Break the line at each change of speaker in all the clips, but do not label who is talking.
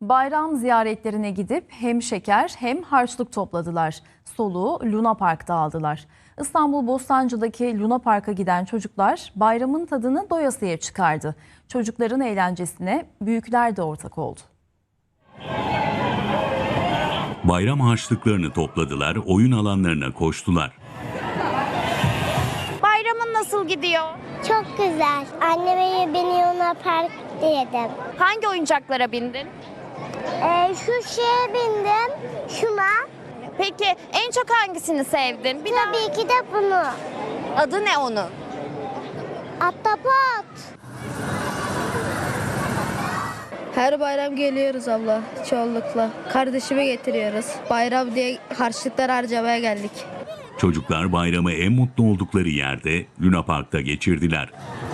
Bayram ziyaretlerine gidip hem şeker hem harçlık topladılar. Soluğu Luna Park'ta aldılar. İstanbul Bostancı'daki Luna Park'a giden çocuklar bayramın tadını doyasıya çıkardı. Çocukların eğlencesine büyükler de ortak oldu.
Bayram harçlıklarını topladılar, oyun alanlarına koştular.
Bayramın nasıl gidiyor?
Çok güzel. Anneme beni Luna Park dedim.
Hangi oyuncaklara bindin?
Şu şeye bindim. Şuna.
Peki en çok hangisini sevdin?
Tabii ki de bunu.
Adı ne onun?
Ahtapot.
Her bayram geliyoruz abla çoğunlukla. Kardeşimi getiriyoruz. Bayram diye harçlıklar harcamaya geldik.
Çocuklar bayramı en mutlu oldukları yerde Luna Park'ta geçirdiler.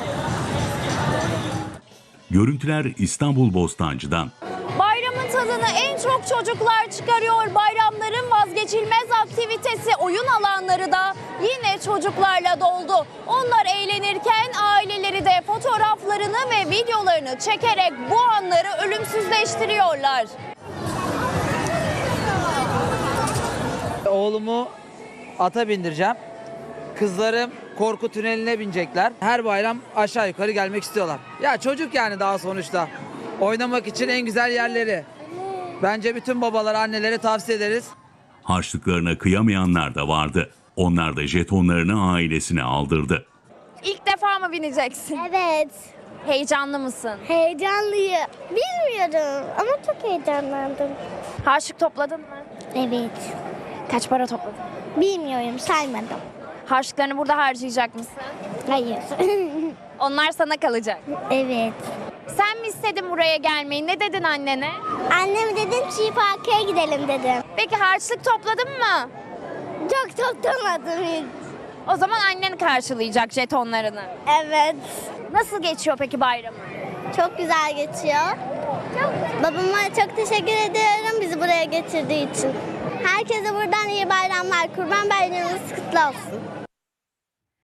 Görüntüler İstanbul Bostancı'dan.
Bayramın tadını en çok çocuklar çıkarıyor. Bayramların vazgeçilmez aktivitesi oyun alanları da yine çocuklarla doldu. Onlar eğlenirken aileleri de fotoğraflarını ve videolarını çekerek bu anları ölümsüzleştiriyorlar.
Oğlumu ata bindireceğim. Kızlarım korku tüneline binecekler. Her bayram aşağı yukarı gelmek istiyorlar. Ya çocuk yani daha sonuçta. Oynamak için en güzel yerleri. Bence bütün babalara, annelere tavsiye ederiz.
Harçlıklarına kıyamayanlar da vardı. Onlar da jetonlarını ailesine aldırdı.
İlk defa mı bineceksin?
Evet.
Heyecanlı mısın?
Heyecanlıyım. Bilmiyorum ama çok heyecanlandım.
Harçlık topladın mı?
Evet.
Kaç para topladın?
Bilmiyorum, saymadım.
Harçlıklarını burada harcayacak mısın?
Hayır.
Onlar sana kalacak.
Evet.
Sen mi istedin buraya gelmeyi? Ne dedin annene?
Anneme dedim Çiğ Park'a gidelim dedim.
Peki harçlık topladın mı?
Çok toplamadım hiç.
O zaman annen karşılayacak jetonlarını.
Evet.
Nasıl geçiyor peki bayramı?
Çok güzel geçiyor. Babama çok teşekkür ediyorum bizi buraya getirdiği için. Herkese buradan iyi bayramlar. Kurban Bayramınız kutlu olsun.